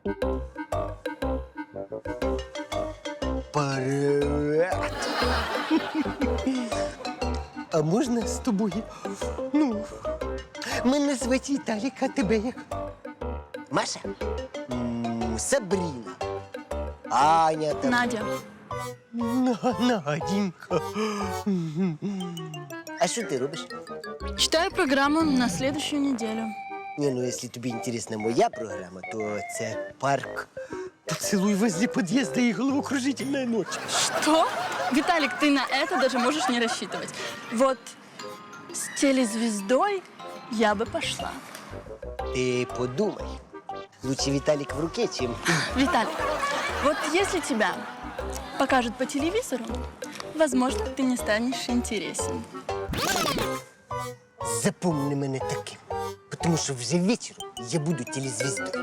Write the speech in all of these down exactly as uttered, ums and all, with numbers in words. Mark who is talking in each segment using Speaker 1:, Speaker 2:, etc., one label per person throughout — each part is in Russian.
Speaker 1: Привет. А можна з тобою? Ну, мене звати Віталік, а тебе як? Маша? М, Сабріна. Аня там.
Speaker 2: Надя.
Speaker 1: На- Наденька. А що ти робиш?
Speaker 2: Читаю программу на следующую неделю.
Speaker 1: Не, ну если тобі інтересна моя програма, то це парк. Поцелуй возле подъезда и головокружительная ночь.
Speaker 2: Что? Виталик, ты на это даже можешь не рассчитывать. Вот с телезвездой я бы пошла.
Speaker 1: Ты подумай. Лучше Виталик в руке, чем...
Speaker 2: Виталик, вот если тебя покажут по телевизору, возможно, ты не станешь интересен.
Speaker 1: Запомни мене таким. Потому що вже вечором я буду телезвездою.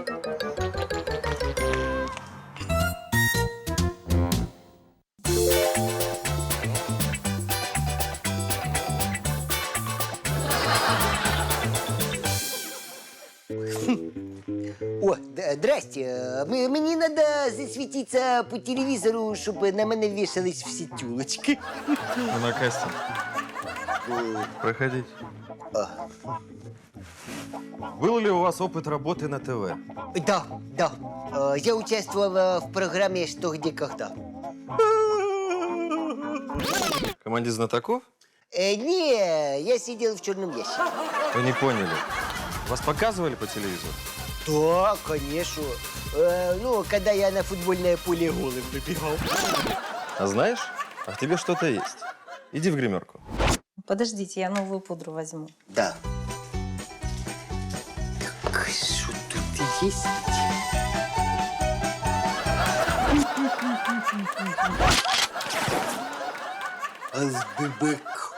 Speaker 1: О, да, здрасте. М- Мені треба засвітитися по телевізору, щоб на мене вішались всі тюлочки.
Speaker 3: Вы на кастинг. Проходите. Был ли у вас опыт работы на ТВ?
Speaker 1: Да, да. Э, Я участвовала в программе «Что, где, когда».
Speaker 3: Команде знатоков?
Speaker 1: Э, не, я сидел в черном ящике.
Speaker 3: Вы не поняли. Вас показывали по телевизору?
Speaker 1: Да, конечно. Э, ну, когда я на футбольное поле голым выбегал.
Speaker 3: А знаешь, а в тебе что-то есть. Иди в гримерку.
Speaker 4: Подождите, я новую пудру возьму.
Speaker 1: Да. Так, что тут есть? Азбебек.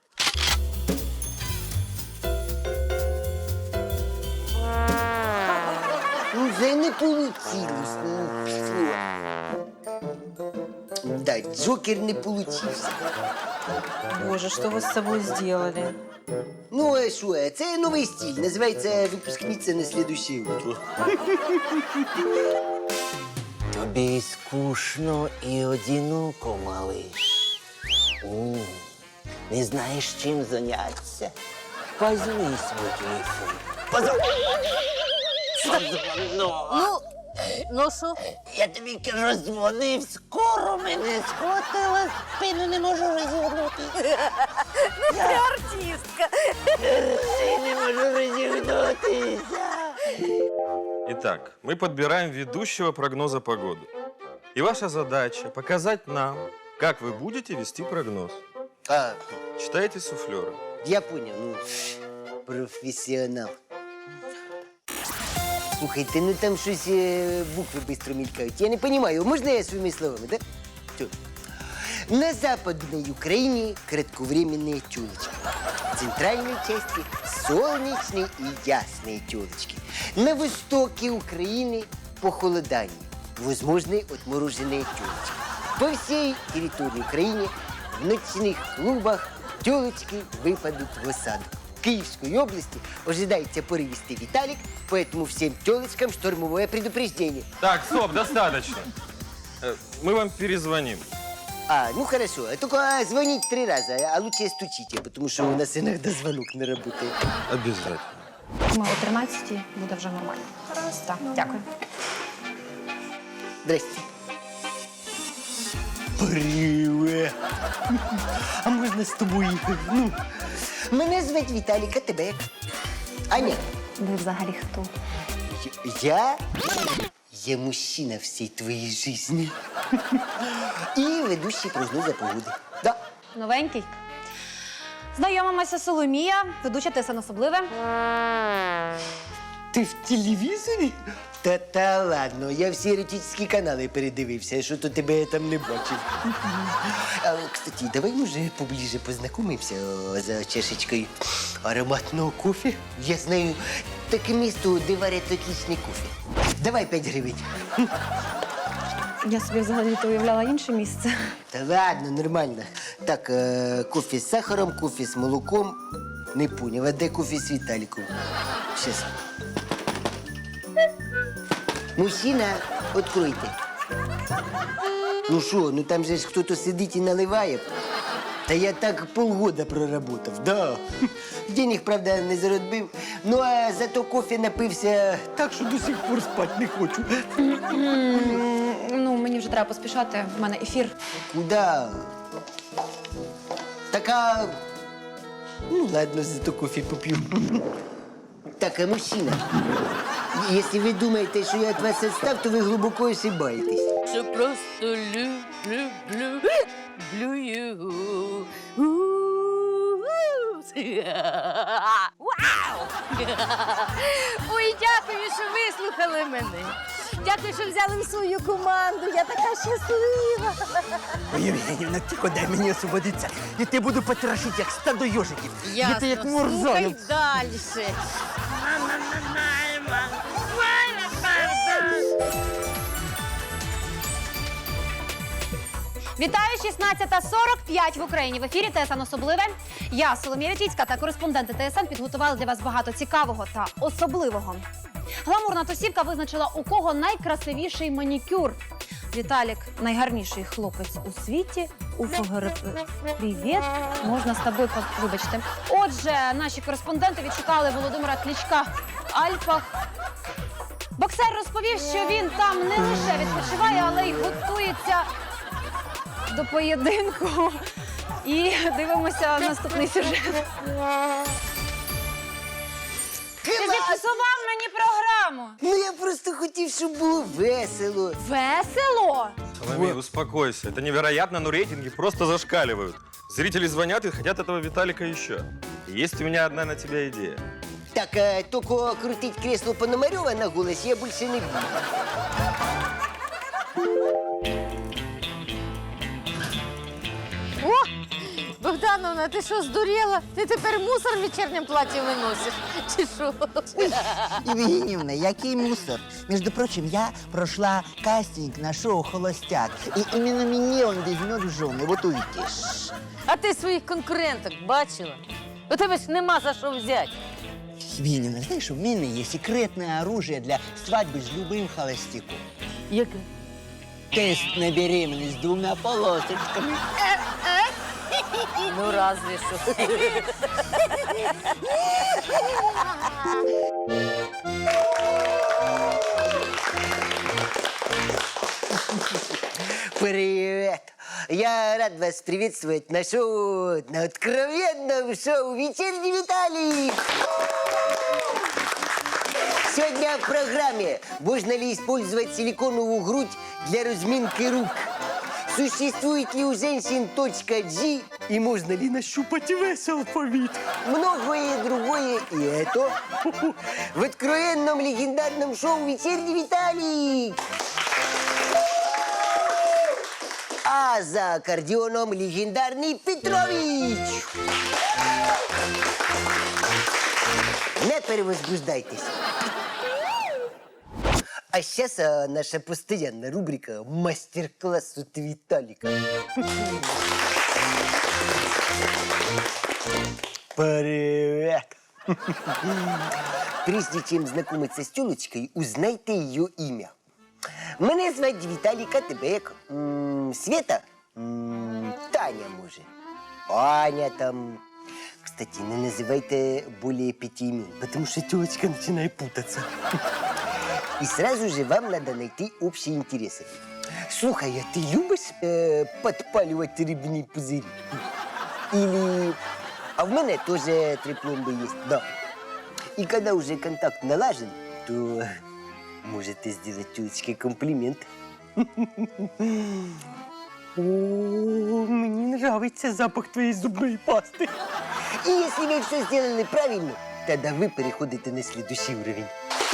Speaker 1: Ну, вже не получилось. Ну, фу. Да, Джокер не получився.
Speaker 4: Боже, что вы с собой сделали?
Speaker 1: Ну, а що, це новий стиль. Називається «Випускниця на слідуще утро».
Speaker 5: Тобі скучно і одиноко, малиш. М, Не знаєш, чим зайнятися? Возьми свій телефон. Позвони.
Speaker 6: Ну, ну що?
Speaker 5: Я тобі кажу, дзвонив, скоро мене схватила, спину не можу розігнути.
Speaker 6: Ну, ти артистка.
Speaker 5: Я не можу розігнутися.
Speaker 3: Итак, мы подбираем ведущего прогноза погоды. И ваша задача показать нам, как вы будете вести прогноз.
Speaker 1: А,
Speaker 3: Читайте суфлера.
Speaker 1: я понял. Ну, професіонал. Слухайте, ну там щось е, букви швидко мількають. Я не розумію, можна я своїми словами, да? Все. На Западной Украине кратковременные тёлочки. В центральной части солнечные и ясные тёлочки. На востоке Украины похолодание. Возможны отмороженные тёлочки. По всей территории Украины в ночных клубах тёлочки выпадут в осаду. В Киевской области ожидается порывистый Виталик, поэтому всем тёлочкам штормовое предупреждение.
Speaker 3: Так, стоп, достаточно. Э, Мы вам перезвоним.
Speaker 1: А, ну хорошо. Только звонить три раза, а лучше стучите, потому что у нас иногда звонок не работает.
Speaker 3: Обязательно.
Speaker 7: Ми о тринадцятій буде вже нормально. Так, дякую.
Speaker 1: Здрасте. Привет. А можна з тобою? Ну, мене звати Віталік, а тебе як? Аня.
Speaker 7: Ви взагалі хто?
Speaker 1: Я? Я мужчина всей твоей жизни. И ведущий прогноза погоди. Да.
Speaker 7: Новенький. Знайомимося, Соломія, ведуча ТСН особливе.
Speaker 1: Ти в телевізорі? Та та ладно, я всі еротичні канали передивився, що то тебе я там не бачив. А, кстати, давай, може, поближе познайомимося о, за чашечкою ароматного кофе. Я знаю таке місто, де варять отличний кофе. Давай п'ять гривень.
Speaker 7: Я собі взагалі то уявляла інше місце.
Speaker 1: Та ладно, нормально. Так, е, кофе з сахаром, кофе з молоком. Не поняв, а де кофе з Віталіком? Щас. Мужчина, откройте. Ну що, ну там же ж хтось сидить і наливає. Та я так полгода проработав, да. Денег, правда, не заробив. Ну, а зато кофе напився так, що до сих пор спати не хочу.
Speaker 7: Ну, мені вже треба поспішати, в мене ефір.
Speaker 1: Куда? Така. Ну, ладно, зато кофе попью. Так, а мужчина, если вы думаете, что я от вас отстав, то вы глубоко ошибаетесь.
Speaker 6: Що просто люблю, люблю, люблю його. Вау! Ой, дякую, що вислухали мене. Дякую, що взяли в свою команду. Я така щаслива.
Speaker 5: Ой, Євгенівна, тихо, дай мені освободитися. Я тебе буду потрошити, як стадо йожиків. Я ти як
Speaker 6: Слухай
Speaker 5: мурзонок.
Speaker 6: далі.
Speaker 8: Вітаю, шістнадцята сорок п'ять в Україні. В ефірі ТСН «Особливе». Я, Соломія Вітвіцька, та кореспонденти ТСН підготували для вас багато цікавого та особливого. Гламурна тусівка визначила, у кого найкрасивіший манікюр. Віталік – найгарніший хлопець у світі. У ФГРП. Привіт. Можна з тобою, по- вибачте. Отже, наші кореспонденти відшукали Володимира Кличка в Альпах. Боксер розповів, що він там не лише відпочиває, але й готується до поєдинку. І дивимося наступний сюжет. Ти зіпсував мені програму.
Speaker 1: Ну, я просто хотів, щоб було весело.
Speaker 8: Весело?
Speaker 3: Соломей, успокойся. Это невероятно, но рейтинги просто зашкаливают. Зрители звонят и хотят этого Виталика еще. Есть у меня одна на тебя идея.
Speaker 1: Так, а, только крутить кресло Пономарева на голос я больше не буду.
Speaker 6: О, Богдановна, ти що, здуріла? Ти тепер мусор в вечірньому платі виносиш? Чи що?
Speaker 5: Евгеньевна, який мусор. Между прочим, я прошла кастинг на шоу «Холостяк». И именно мне он возьмет в жены, вот увидишь.
Speaker 6: А ти своїх конкуренток бачила? У тебе ж нема за що взяти.
Speaker 5: Евгеньевна, знаешь, у меня есть секретное оружие для свадьбы с любым холостяком.
Speaker 6: Яке?
Speaker 5: Тест на беременность с двумя полосочками.
Speaker 6: Ну, разве що.
Speaker 1: Привет! Я рад вас приветствовать на шоу, на откровенном шоу «Вечерний Виталик». Сегодня в программе можно ли использовать силиконовую грудь для разминки рук? Существует ли у женщин точка G и можно ли нащупать весь алфавит? Многое другое и это в откровенном легендарном шоу «Вечерний Виталик». А за аккордеоном легендарный Петрович. Не перевозбуждайтесь. А сейчас а, наша постоянная рубрика «Мастер-класс от Виталика». Привет! Прежде чем знакомиться с тёлочкой, узнайте ее имя. Мене звати Віталік, а тебе як? М, Света? М, Таня, може. Аня там. Кстати, не называйте более пяти имен, потому что тёлочка начинает путаться. И сразу же вам надо найти общие интересы. Слухай, а ты любишь э, подпаливать рыбные пузыри? Или... А в мене тоже три пломбы есть, да. И когда уже контакт налажен, то можете сделать тёлочке комплимент. О, мне нравится запах твоей зубной пасты. И если вы все сделали правильно, тогда вы переходите на следующий уровень.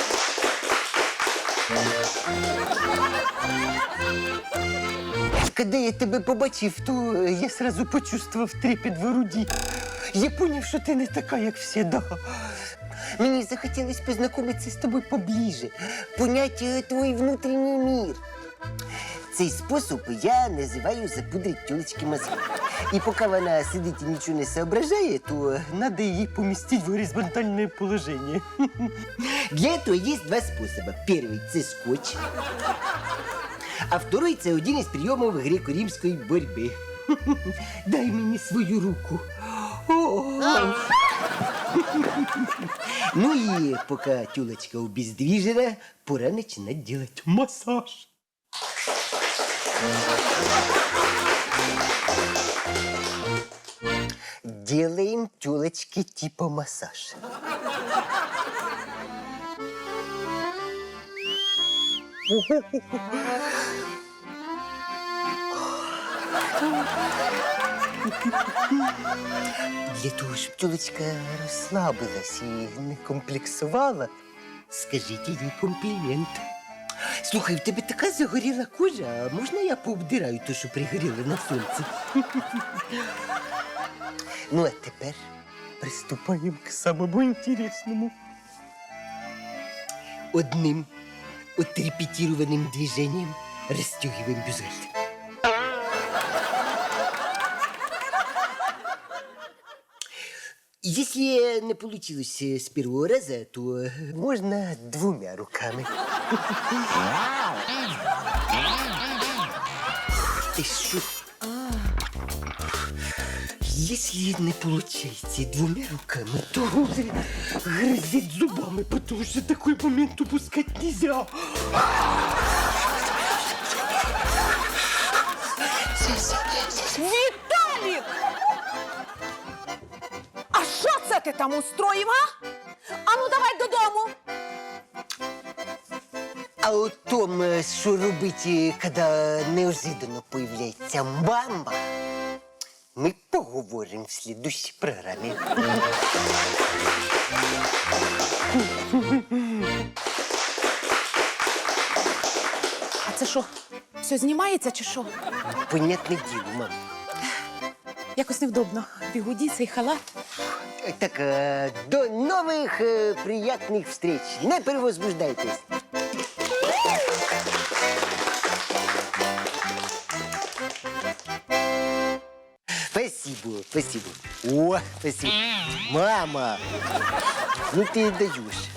Speaker 1: Когда я тебе побачив, то я сразу почувствовав трепет в груді. Я поняв, що ти не така, як всегда. Мені захотілося познайомитися з тобою поближе, понять е, твій внутрішній мір. Цей спосіб я називаю запудрить тілочки мозги. І поки вона сидить і нічого не соображає, то треба її помістити в горизонтальне положення. Для этого есть два способа. Первый – це скотч. А второй – це один із прийомів греко-римської боротьби. Дай мені свою руку. О! Ну и пока тёлочка обездвижена, пора начинать делать массаж. Делаем тёлочке типа массаж. Для того, щоб тёлочка розслабилась і не комплексувала, скажіть їй комплімент. Слухай, в тебе така загоріла кожа, а можна я пообдираю те, що пригоріло на сонці? Ну, а тепер приступаємо к самому інтересному. Одним отрепетированным движением расстегиваем бюстгальтер. Если не получилось с первого раза, то можно двумя руками. Ты шо? Если не получается двумя руками, то грызет зубами, потому что такой момент упускать нельзя.
Speaker 4: Віталік! А що це ти там устроїв, а? Ану, давай додому.
Speaker 1: А о том, що робити, коли неожиданно появляється мама, ми поговоримо в слідущій програмі.
Speaker 4: А це що, все знімається чи що?
Speaker 1: Понятне діло, мам.
Speaker 4: Якось невдобно. Бігуді, цей халат.
Speaker 1: Так, е, до нових е, приятних встреч. Не перевозбуждайтесь. Спасибо, спасибо. О, спасибо. Мама, ну ты даешь.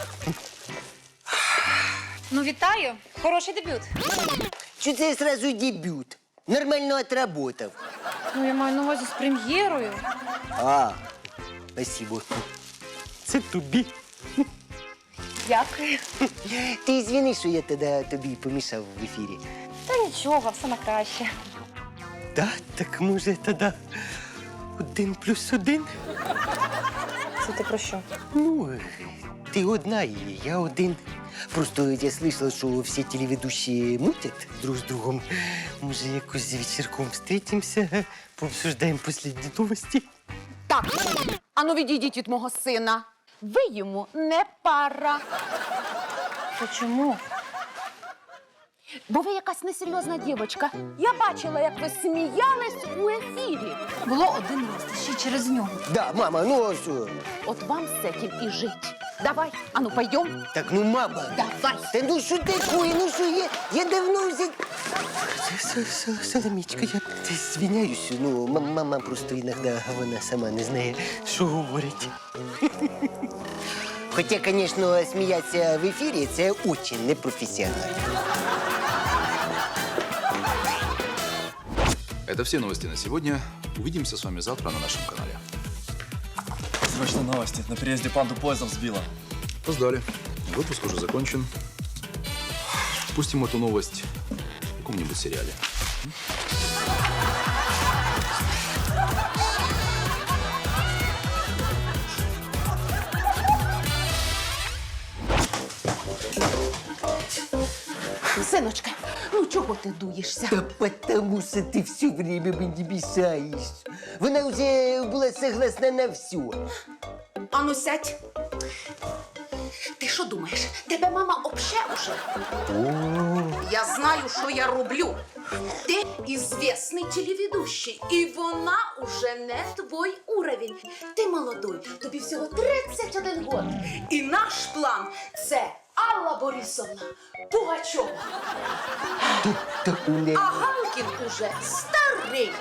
Speaker 8: Ну, вітаю. Хороший дебют.
Speaker 1: Что це сразу дебют? Нормально отработав.
Speaker 8: Ну, я маю на увазі з прем'єрою.
Speaker 1: А, спасибо. Це тобі.
Speaker 8: Дякую.
Speaker 1: Ти звіни, що я тоді тобі помішав в ефірі.
Speaker 8: Та нічого, все на краще.
Speaker 1: Да, так може тоді один плюс один?
Speaker 8: Це ти про що?
Speaker 1: Ну, ти одна і я один. Просто я слышала, що всі телеведущие мутять друг з другом. Може, якось за вечірком встретимся, пообсуждаємо последні новості.
Speaker 4: Так, ану відійдіть від мого сина. Ви йому не пара.
Speaker 8: То чому?
Speaker 4: Бо ви якась несерйозна дівчинка. Я бачила, як ви сміялись у ефірі.
Speaker 8: Було один раз, ще й через нього.
Speaker 1: Да, мама, ну а що?
Speaker 4: От вам з цим і жить. Давай, ану, пойдем.
Speaker 1: Так, ну, мама.
Speaker 4: Давай.
Speaker 1: Та ну що такое? Ну що, я, я давно вже... Соломічка, я звиняюсь, ну, м- мама просто іноді вона сама не знає, що говорить. Хоча, звісно, сміятися в ефірі – це дуже непрофесіонально.
Speaker 9: Это все новости на сегодня. Увидимся с вами завтра на нашем канале.
Speaker 10: Срочные новости. На переезде панду поездом сбила.
Speaker 9: Опоздали. Выпуск уже закончен. Пустим эту новость в каком-нибудь сериале.
Speaker 4: Синочка, ну чого ти дуєшся?
Speaker 1: Та потому що ти все время мені мішаєш. Вона вже була согласна на все.
Speaker 4: Ану, сядь. Ти що думаєш? Тебе мама обше уже? Я знаю, що я роблю. Ти ізвісний телеведущий, і вона уже не твій уровень. Ти молодой, тобі всього тридцять один год. І наш план – це Алла Борисовна Пугачова.
Speaker 1: Таку не.
Speaker 4: А Галкін уже старий.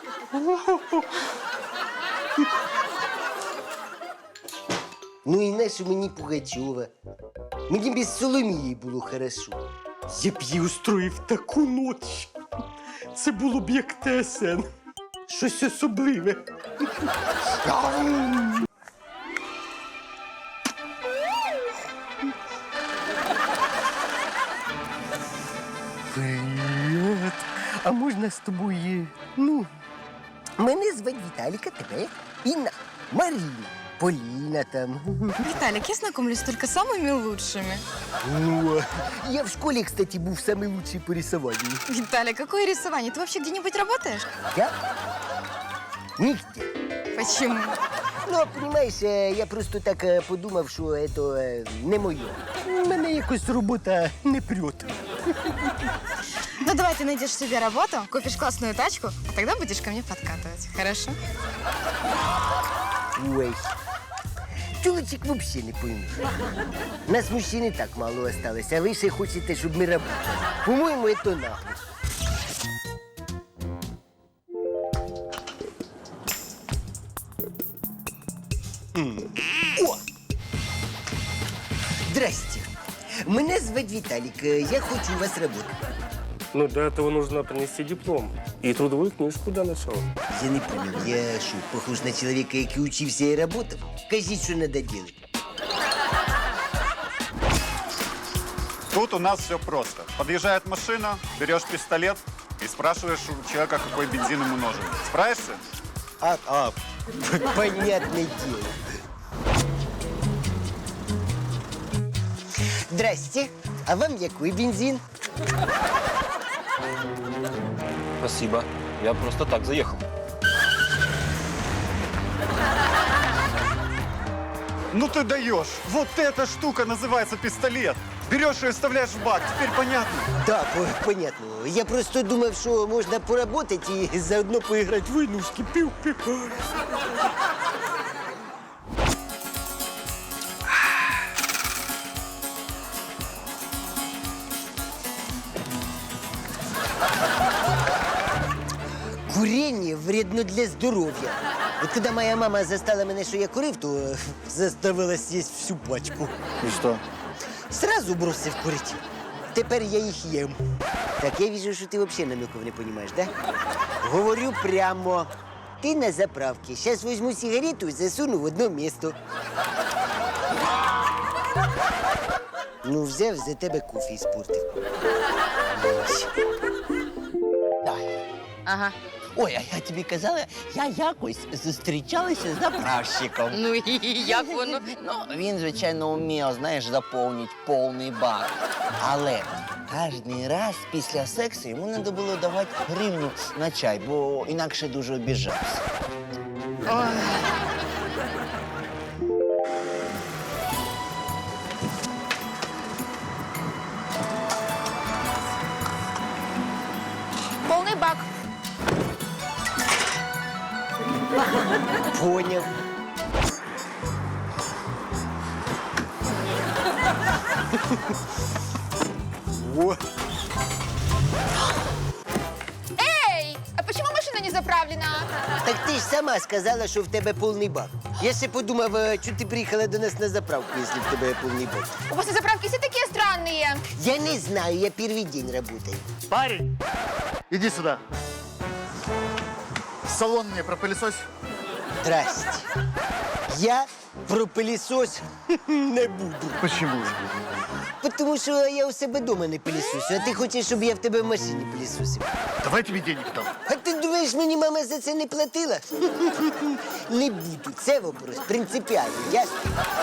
Speaker 1: Ну і нащо мені Пугачова? Мені без Соломії було хорошо. Я б їй устроїв таку ніч. Це було б як ТСН. Щось особливе. Привіт. А можна з тобою, ну, мене звати Віталіка, тебе Інна, Маріна, Поліна там.
Speaker 7: Виталик, я знакомлюсь только с самыми лучшими.
Speaker 1: Ну, я в школе, кстати, был самый лучший по рисованию.
Speaker 7: Виталик, какое рисование? Ты вообще где-нибудь работаешь?
Speaker 1: Я? Нигде.
Speaker 7: Почему?
Speaker 1: Ну, понимаешь, е, я просто так е, подумав, що це е, не моє. Мене якось робота не прет.
Speaker 7: Ну давай ты найдешь себе работу, купишь классную тачку, а тогда будешь ко мне подкатывать. Хорошо?
Speaker 1: Ой. Чоловічик вообще не поймеш. Нас мужчин і так мало осталось, а ви ще хочете, щоб ми работали. По-моєму, це нахуй. М. О! Здрасте. Мене звати Віталік. Е, Я хочу у вас работать.
Speaker 11: Ну, для этого нужно принести диплом и трудовую книжку для начала.
Speaker 1: Я не понял, я що, похож на чоловіка, який учився і работав? Кажіть, що треба робити.
Speaker 12: Тут у нас все просто. Подъезжает машина, берешь пистолет и спрашиваешь у человека, какой бензин ему нужен. Справишься?
Speaker 1: А, а, понятное дело. Здрасте. А вам який бензин?
Speaker 10: Спасибо. Я просто так заехал.
Speaker 12: Ну ты даешь! Вот эта штука называется пистолет. Берешь ее и вставляешь в бак. Теперь понятно?
Speaker 1: Да, по- понятно. Я просто думав, що можна поработать і заодно поіграти в войнушки. Пів-пів. Курение вредно для здоров'я. От коли моя мама застала мене, що я курив, то е, заставила з'їсти всю пачку.
Speaker 12: И что?
Speaker 1: Сразу бросив курити. Тепер я їх їм. Так, я вижу, що ти взагалі намеків не розумієш, да? Говорю прямо. Ти на заправці. Зараз візьму сигарету і засуну в одне місто. Ну, взяв, за тебе кофе іспортив. Ось.
Speaker 5: Ага. Ой, а я тобі казала, я якось зустрічалася з заправщиком.
Speaker 7: Ну и як воно?
Speaker 5: Ну, він, звичайно, вмів, знаєш, заповнити повний бак. Але кожен раз після сексу йому треба було давати гривню на чай, бо інакше дуже обіжався.
Speaker 8: Повний бак.
Speaker 1: Поняв. О,
Speaker 8: Эй, а почему машина не заправлена?
Speaker 1: так ти ж сама сказала, що в тебе повний бак. Я ще подумав, е, що ти приїхала до нас на заправку, якщо в тебе повний бак.
Speaker 8: У вас заправки все такие странные.
Speaker 1: Я не знаю, я перший день работаю.
Speaker 13: Парень, иди сюда. Салон мне пропылесось.
Speaker 1: Здрасте. Я про пилісос не буду.
Speaker 13: Почему?
Speaker 1: Тому що я у себе вдома не пилісосю, а ти хочеш, щоб я в тебе в машині пилісосив.
Speaker 13: Давай тебе денег дам.
Speaker 1: А ти думаєш, мені мама за це не платила? Не буду. Це вопрос принципіальний, ясно?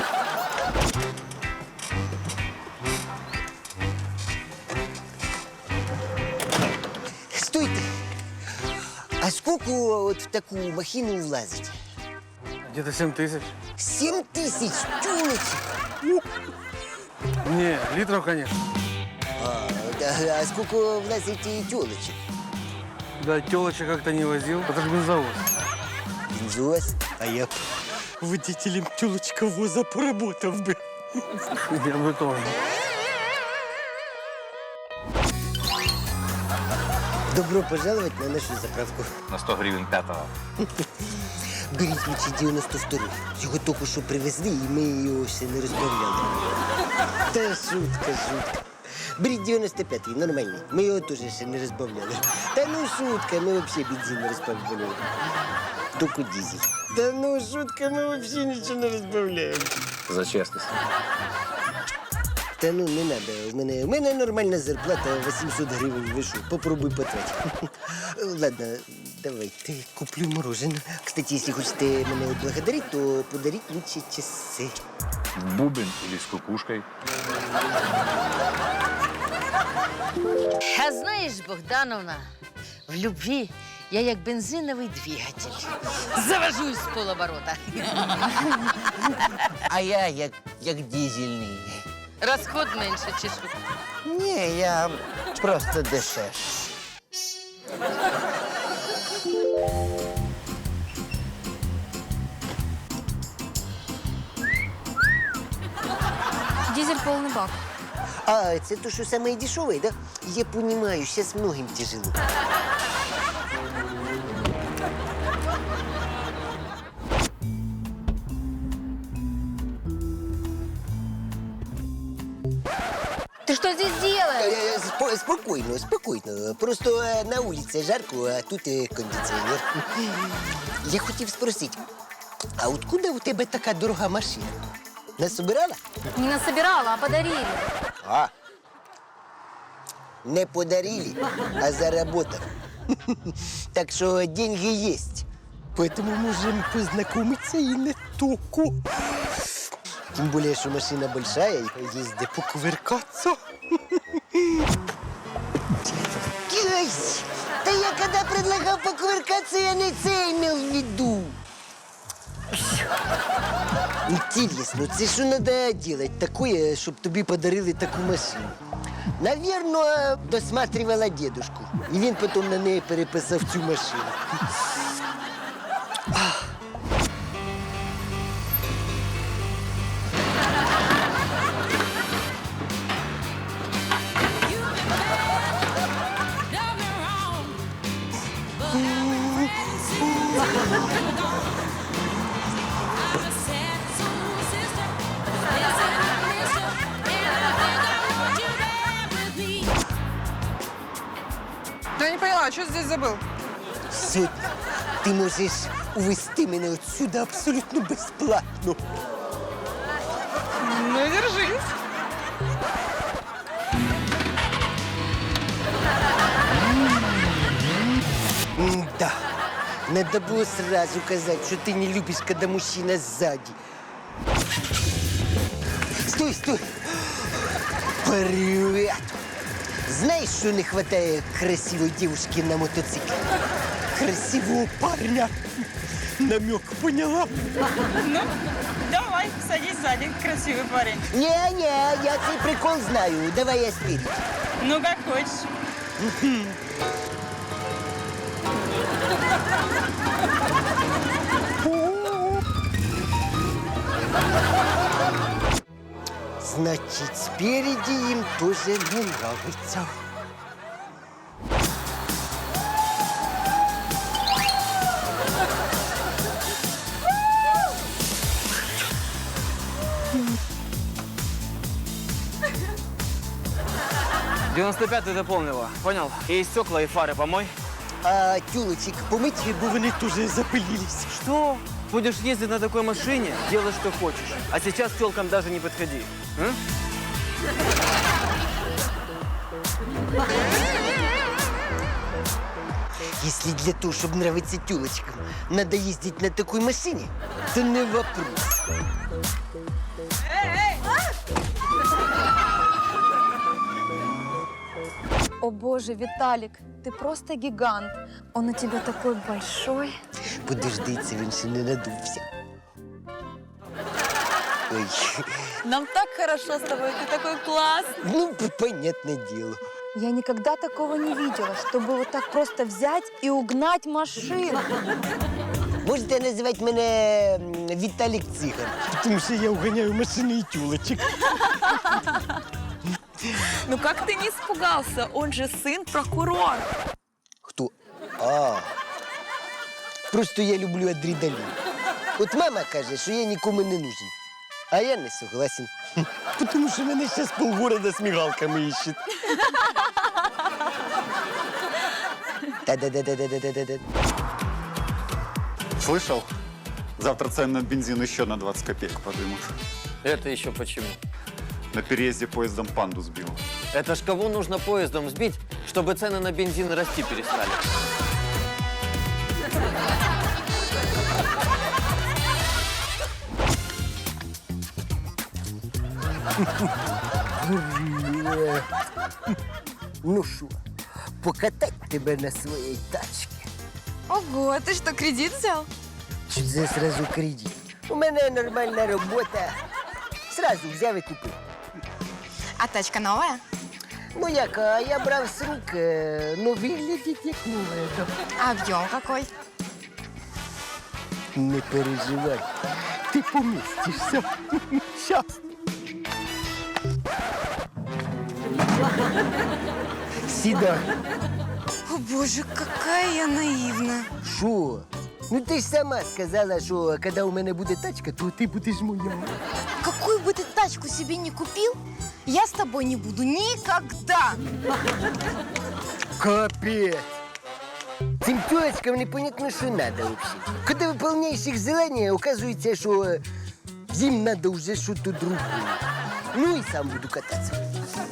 Speaker 1: Стойте. А скільки от в таку махину влазить?
Speaker 11: Где-то семь тысяч.
Speaker 1: Сім тисяч тюлочок.
Speaker 11: Не, литров, конечно.
Speaker 1: А, да, а скільки влазить і тюлочок?
Speaker 11: Да, телочек как-то не возил. Это же бензовоз.
Speaker 1: Бензовоз? А я б водителем тюлочковоза поработав би.
Speaker 11: Я бы тоже.
Speaker 1: Добро пожаловать на нашу заправку.
Speaker 14: На сто гривень п'ятого.
Speaker 1: Беріть лучше дев'яносто второй. Його тільки що привезли, і ми його ще не розбавляли. Та шутка, шутка. Беріть дев'яносто п'ятий, нормальний. Ми його теж ще не розбавляли. Та ну шутка, ми взагалі бензин не розбавляли. Тільки дизель. Та ну шутка, ми взагалі нічого не розбавляємо.
Speaker 14: За чесність.
Speaker 1: Та ну не надо. У мене, у мене нормальна зарплата вісімсот гривень. Ви що, попробуй потратити. Ладно, давайте куплю мороженое. Кстати, если хочете мене отблагодарить, то подарить лучше часы.
Speaker 14: Бубен или с кукушкой.
Speaker 15: А знаєш, Богдановна, в любві я як бензиновий двигатель. Завожусь з полоборота.
Speaker 5: А я як, як дизельний.
Speaker 15: Розход менше, чи що?
Speaker 5: Ні, я просто дешевший.
Speaker 6: Дизель полный бак.
Speaker 1: А, это то, что самое дешевое, да? Я понимаю, сейчас многим тяжело.
Speaker 6: Ты что здесь делаешь?
Speaker 1: Э, спо- Спокойно, спокойно. Просто э, на улице жарко, а тут э, кондиціонер. Я хотів спросити, а откуда у тебе така дорога машина? Насобирала?
Speaker 6: Не насобирала, а подарили.
Speaker 1: А. Не подарили, а заработал. Так что деньги есть. Поэтому можем познакомиться и не только. Тем более, что машина большая, и есть где покувыркаться. Ой, да я когда предлагал покувыркаться, я не це имел в виду. Интересно, це що надо делать такое, щоб тобі подарили таку машину? Наверно, досматривала дедушку. І він потім на неї переписав цю машину.
Speaker 16: Да я не поняла, что здесь забыл?
Speaker 1: Сьогодні ти можеш увезти мене отсюда абсолютно безплатно.
Speaker 16: Ну, держись.
Speaker 1: Да, надо было сразу сказать, что ты не любишь, когда мужчина сзади. Стой, стой! Привет! Знаешь, что не хватает красивой девушки на мотоцикле? Красивого парня. Намек поняла?
Speaker 2: Ну, давай, садись сзади, красивый парень.
Speaker 1: Не-не, я цей прикол знаю. Давай я спереди.
Speaker 2: Ну, как хочешь.
Speaker 1: Значит, спереди им тоже не нравится.
Speaker 17: девяносто пятый дополнила, понял? И стекла, и фары помой.
Speaker 1: А тюлочек помыть, бо вони тоже запылились.
Speaker 17: Что? Будешь ездить на такой машине, делай, что хочешь. А сейчас к телкам даже не подходи. М?
Speaker 1: Если для того, чтобы нравиться тюлочкам, надо ездить на такой машине, то не вопрос.
Speaker 6: О боже, Виталик, ты просто гигант. Он у тебя такой большой.
Speaker 1: Подожди, це він ще не надувся. Ой,
Speaker 2: Нам так хорошо с тобой, ты такой классный.
Speaker 1: ну, понятное дело.
Speaker 6: Я никогда такого не видела, чтобы вот так просто взять и угнать машину.
Speaker 1: Можете називати мене м, Віталік Циган, тому що я уганяю машини і тюлочок.
Speaker 16: Ну как ты не испугался? Он же сын прокурора.
Speaker 1: Хто? А. Просто я люблю адреналін. От мама каже, що я нікому не нужен. А я не согласен. Тому що мене зараз полгорода з мігалками іщуть. Та-да-да-да-да-да-да-да.
Speaker 12: Слышал? Завтра цены на бензин еще на двадцать копеек подымут.
Speaker 17: Это еще почему?
Speaker 12: На переезде поездом панду сбил.
Speaker 17: Это ж кого нужно поездом сбить, чтобы цены на бензин расти перестали?
Speaker 1: Ну що, покатать тебе на своїй тачці?
Speaker 7: Ого, ты что, кредит взял?
Speaker 1: Чи це сразу кредит? У мене нормальна робота. Сразу взяв і купив.
Speaker 7: А тачка новая?
Speaker 1: Ну як, а я брав з рук, е, ну виглядить як нове.
Speaker 7: А объем какой?
Speaker 1: Не переживай, ти помістишся. Щас. Сідай.
Speaker 7: О боже, какая я наивная.
Speaker 1: Що? Ну ти ж сама сказала, що коли у мене буде тачка, то ти будеш моя.
Speaker 7: Какую бы ты тачку себе не купил, я с тобой не буду никогда.
Speaker 1: Капець. Цим тёлочкам непонятно, що надо вообще. Коли виповняєш їх желання, оказується, що е, їм надо вже щось другое. Ну і сам буду кататися.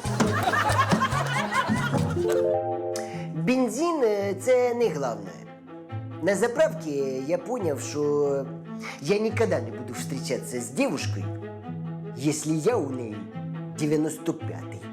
Speaker 1: Бензин е, – це не головне. На заправке я понял, что я никогда не буду встречаться с девушкой, если я у ней девяносто пятый.